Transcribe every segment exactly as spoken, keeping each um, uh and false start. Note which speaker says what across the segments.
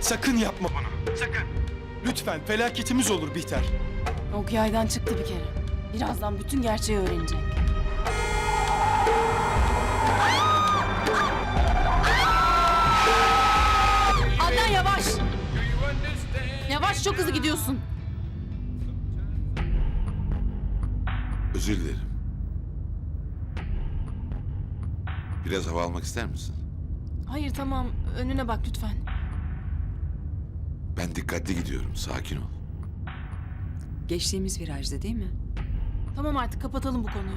Speaker 1: Sakın yapma bunu. Sakın. Lütfen, felaketimiz olur Bihter.
Speaker 2: Ok yaydan çıktı bir kere. Birazdan bütün gerçeği öğrenecek. Adnan yavaş! Yavaş, çok hızlı gidiyorsun.
Speaker 3: Özür dilerim. Biraz hava almak ister misin?
Speaker 2: Hayır tamam, önüne bak lütfen.
Speaker 3: Ben dikkatli gidiyorum. Sakin ol.
Speaker 4: Geçtiğimiz virajda değil mi?
Speaker 2: Tamam artık kapatalım bu konuyu.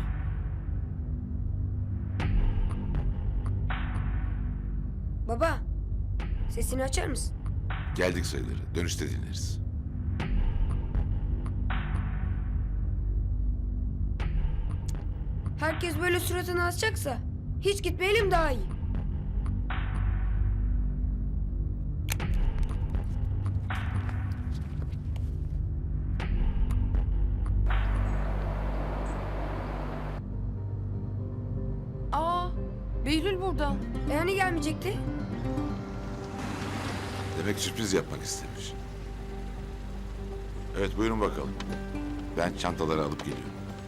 Speaker 5: Baba, sesini açar mısın?
Speaker 3: Geldik sayılır. Dönüşte dinleriz.
Speaker 5: Herkes böyle suratını asacaksa hiç gitmeyelim daha iyi.
Speaker 2: Aa, Behlül burada.
Speaker 5: E hani gelmeyecekti?
Speaker 3: Demek sürpriz yapmak istemiş. Evet, buyurun bakalım. Ben çantaları alıp geliyorum.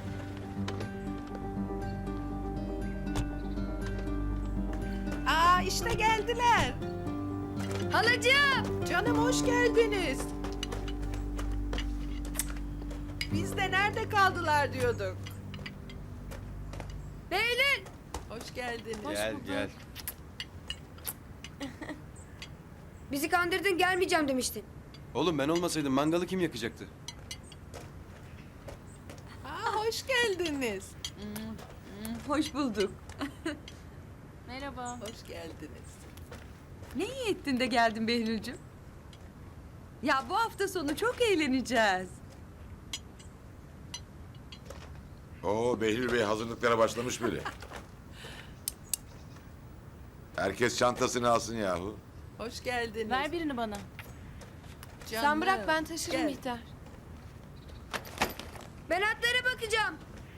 Speaker 6: Aa işte geldiler.
Speaker 5: Halacığım!
Speaker 6: Canım hoş geldiniz. Biz de nerede kaldılar diyorduk.
Speaker 5: Behlül!
Speaker 6: Hoş geldiniz.
Speaker 1: Gel, gel.
Speaker 5: Bizi kandırdın, gelmeyeceğim demiştin.
Speaker 1: Oğlum ben olmasaydım mangalı kim yakacaktı?
Speaker 6: Aa hoş geldiniz.
Speaker 4: Hoş bulduk.
Speaker 2: Merhaba.
Speaker 6: Hoş geldiniz.
Speaker 4: Ne iyi ettin de geldin Behlül'cüm. Ya bu hafta sonu çok eğleneceğiz.
Speaker 3: Oo, Behlül Bey hazırlıklara başlamış bile. Herkes çantasını alsın yahu.
Speaker 6: Hoş geldiniz.
Speaker 2: Ver birini bana.
Speaker 6: Canım.
Speaker 2: Sen bırak ben taşırım
Speaker 6: Gel.
Speaker 2: Bihter.
Speaker 5: Ben atlara bakacağım.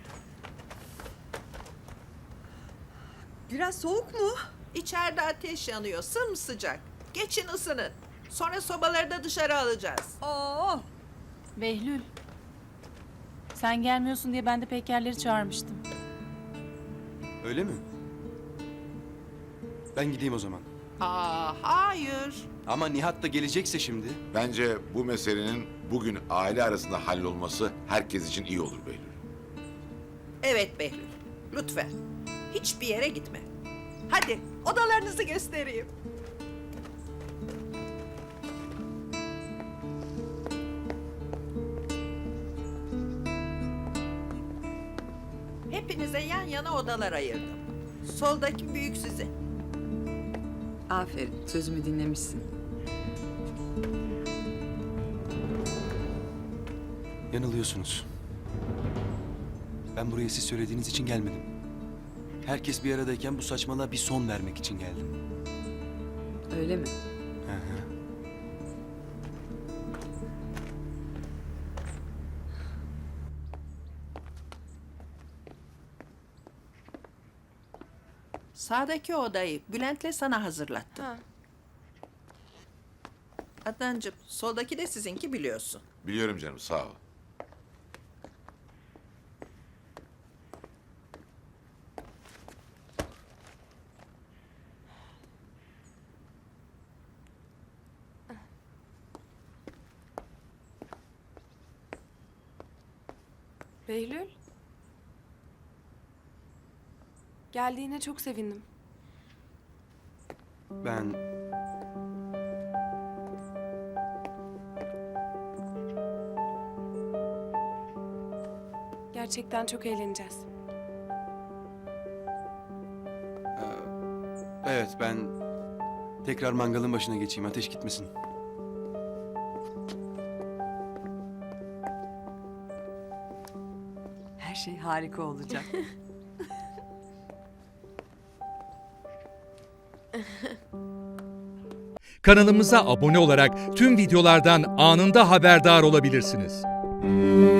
Speaker 4: Biraz soğuk mu?
Speaker 6: İçeride ateş yanıyor sımsıcak. Geçin ısının. Sonra sobaları da dışarı alacağız.
Speaker 4: Oo.
Speaker 2: Behlül. Sen gelmiyorsun diye ben de Pekerleri çağırmıştım.
Speaker 1: Öyle mi? Ben gideyim o zaman.
Speaker 6: Aa hayır.
Speaker 1: Ama Nihat da gelecekse şimdi.
Speaker 3: Bence bu meselenin bugün aile arasında hallolması herkes için iyi olur Behlül.
Speaker 6: Evet Behlül. Lütfen. Hiçbir yere gitme. Hadi odalarınızı göstereyim. Hepinize yan yana odalar ayırdım. Soldaki büyük sizin.
Speaker 4: Aferin, sözümü dinlemişsin.
Speaker 1: Yanılıyorsunuz. Ben buraya siz söylediğiniz için gelmedim. Herkes bir aradayken bu saçmalığa bir son vermek için geldim.
Speaker 4: Öyle mi?
Speaker 1: Hı hı.
Speaker 6: Sağdaki odayı Bülent'le sana hazırlattım.
Speaker 2: Ha.
Speaker 6: Adnancığım, soldaki de sizinki biliyorsun.
Speaker 3: Biliyorum canım, sağ ol.
Speaker 7: Behlül. Geldiğine çok sevindim.
Speaker 1: Ben...
Speaker 7: Gerçekten çok eğleneceğiz.
Speaker 1: Evet, ben tekrar mangalın başına geçeyim, ateş gitmesin.
Speaker 4: Her şey harika olacak.
Speaker 8: Kanalımıza abone olarak tüm videolardan anında haberdar olabilirsiniz.